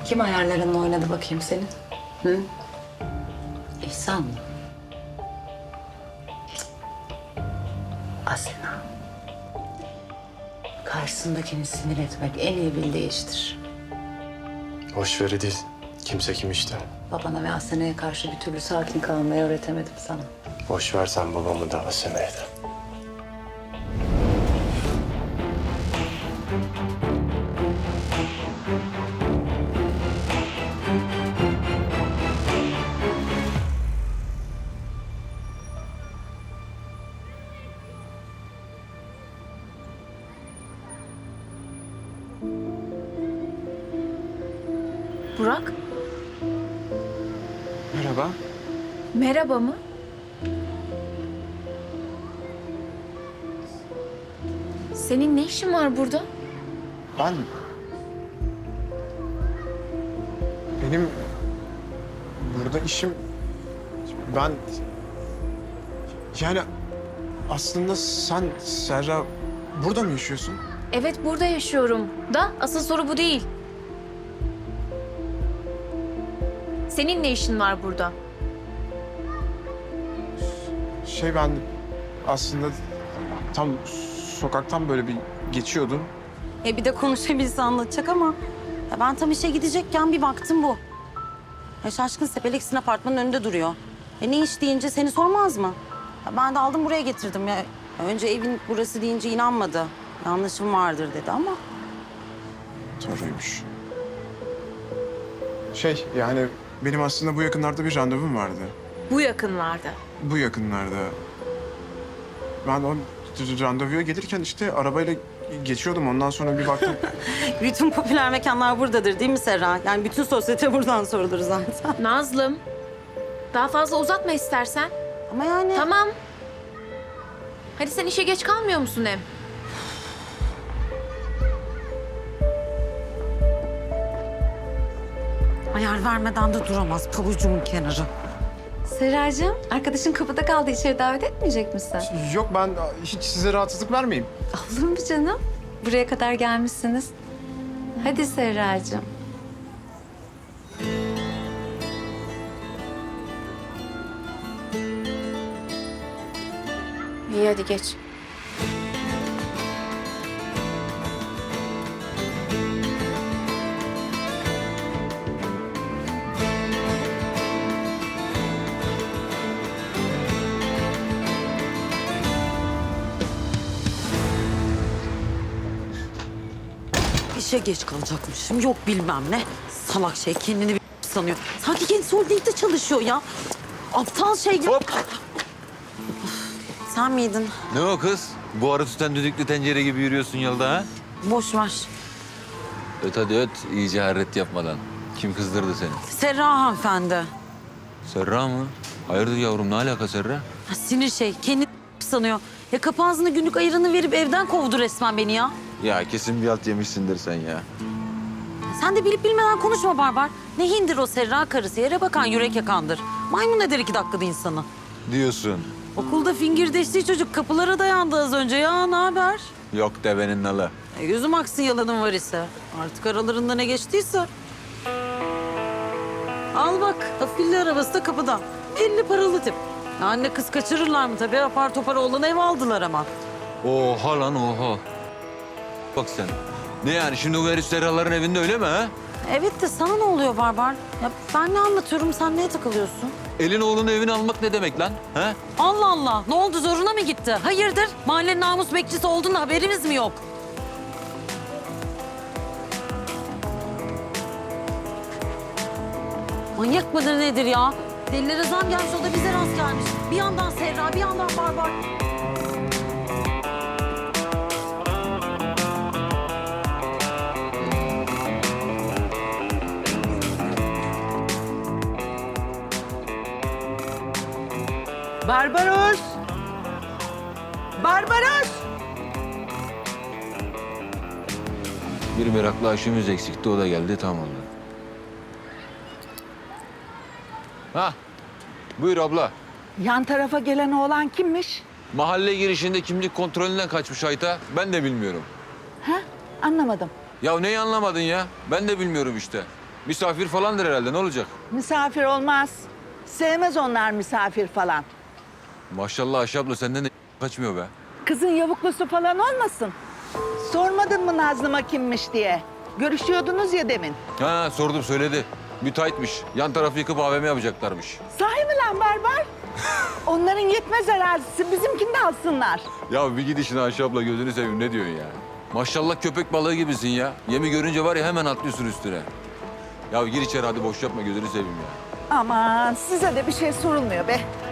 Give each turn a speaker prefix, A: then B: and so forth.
A: Kim ayarlarınla oynadı bakayım senin? Hı? İhsan mı? Asena. Karşısındakini sinir etmek en iyi bildiği iştir.
B: Boş veri değil. Kimse kim işte.
A: Babana ve Asena'ya karşı bir türlü sakin kalmayı öğretemedim sana.
B: Boş ver sen babamı da Asena'yı da.
C: Burak,
B: Merhaba.
C: merhaba mı? Senin ne işin var burada?
B: Benim burada işim... Ben... Yani aslında sen Serra burada mı yaşıyorsun?
C: Evet, burada yaşıyorum. Da asıl soru bu değil. Senin ne işin var burada?
B: Ben aslında tam sokaktan böyle bir geçiyordum.
D: Bir de konuşabilse anlatacak ama ya ben tam işe gidecekken bir baktım bu. Şaşkın Sepeleksin apartmanın önünde duruyor. Ne iş deyince seni sormaz mı? Ben de aldım buraya getirdim ya. Önce evin burası deyince inanmadı. Yanlışım vardır dedi ama.
B: Doğruymuş. Yani benim aslında bu yakınlarda bir randevum vardı.
C: Bu yakınlarda.
B: Bu yakınlarda. Ben o randevuya gelirken işte arabayla geçiyordum. Ondan sonra bir baktım.
D: Bütün popüler mekanlar buradadır değil mi Serra? Yani bütün sosyete buradan sorulur zaten.
C: Nazlım, daha fazla uzatma istersen.
D: Ama yani...
C: Tamam. Hadi sen işe geç kalmıyor musun hem?
D: Ayar vermeden de duramaz pabucumun kenarı.
E: Serracığım, arkadaşın kapıda kaldı. İçeri davet etmeyecek misin?
B: Yok ben hiç size rahatsızlık vermeyeyim.
E: Olur mu canım? Buraya kadar gelmişsiniz. Hadi Serracığım.
C: İyi hadi geç.
D: İşe geç kalacakmışım. Yok bilmem ne. Salak şey kendini bir sanıyor. Sanki kendisi holdingde çalışıyor ya. Aptal şey ya.
F: Hop!
D: Sen miydin?
F: Ne o kız? Bu arı tutan düdüklü tencere gibi yürüyorsun yolda ha?
D: Boş ver.
F: Öt hadi öt, iyice harret yapmadan. Kim kızdırdı seni?
D: Serra hanımefendi.
F: Serra mı? Hayırdır yavrum, ne alaka Serra?
D: Ha, sinir şey. Kendini sanıyor. Ya kapı ağzına günlük ayırını verip evden kovdu resmen beni ya.
F: Ya kesin bir alt yemişsindir sen ya.
D: Sen de bilip bilmeden konuşma Barbar. Ne hindir o Serra karısı. Yere bakan yürek yakandır. Maymun eder 2 dakikada insanı.
F: Diyorsun.
D: Okulda fingirdeştiği çocuk kapılara dayandı az önce. Ya ne haber?
F: Yok devenin nalı.
D: Gözüm aksın yalanın var ise. Artık aralarında ne geçtiyse. Al bak, afilli arabası da kapıda. 50 paralı tip. Ya anne kız kaçırırlar mı tabii? Apar topar oğlan ev aldılar ama.
F: Oha lan oha. Bak sen. Ne yani şimdi bu herif Serraların evinde öyle mi ha?
D: Evet de sana ne oluyor Barbar? Ya ben ne anlatıyorum, sen neye takılıyorsun?
F: Elin oğlunu evine almak ne demek lan? Ha?
D: Allah Allah, ne oldu zoruna mı gitti? Hayırdır? Mahallenin namus bekçisi olduğunda haberimiz mi yok? Manyak mıdır nedir ya? Delilere zam gelmiş, o da bize rast gelmiş. Bir yandan Serra, bir yandan Barbar.
G: Barbaros! Barbaros!
F: Bir meraklı aşımız eksikti, o da geldi, tam oldu. Hah, buyur abla.
G: Yan tarafa gelen oğlan kimmiş?
F: Mahalle girişinde kimlik kontrolünden kaçmış Ayta. Ben de bilmiyorum.
G: Ha? Anlamadım.
F: Ya neyi anlamadın ya? Ben de bilmiyorum işte. Misafir falandır herhalde, ne olacak?
G: Misafir olmaz. Sevmez onlar misafir falan.
F: Maşallah Ayşe abla senden de kaçmıyor be.
G: Kızın yavuklusu falan olmasın. Sormadın mı Nazlı'ma kimmiş diye? Görüşüyordunuz ya demin.
F: Ha sordum söyledi. Müteahhitmiş. Yan tarafı yıkıp AVM yapacaklarmış.
G: Sahi mi lan barbar? Onların yetmez arazisi, bizimkini de alsınlar.
F: Ya bir gidişine Ayşe abla gözünü seveyim ne diyorsun ya? Maşallah köpek balığı gibisin ya. Yemi görünce var ya hemen atlıyorsun üstüne. Ya gir içeri hadi boş yapma gözünü seveyim ya.
G: Aman size de bir şey sorulmuyor be.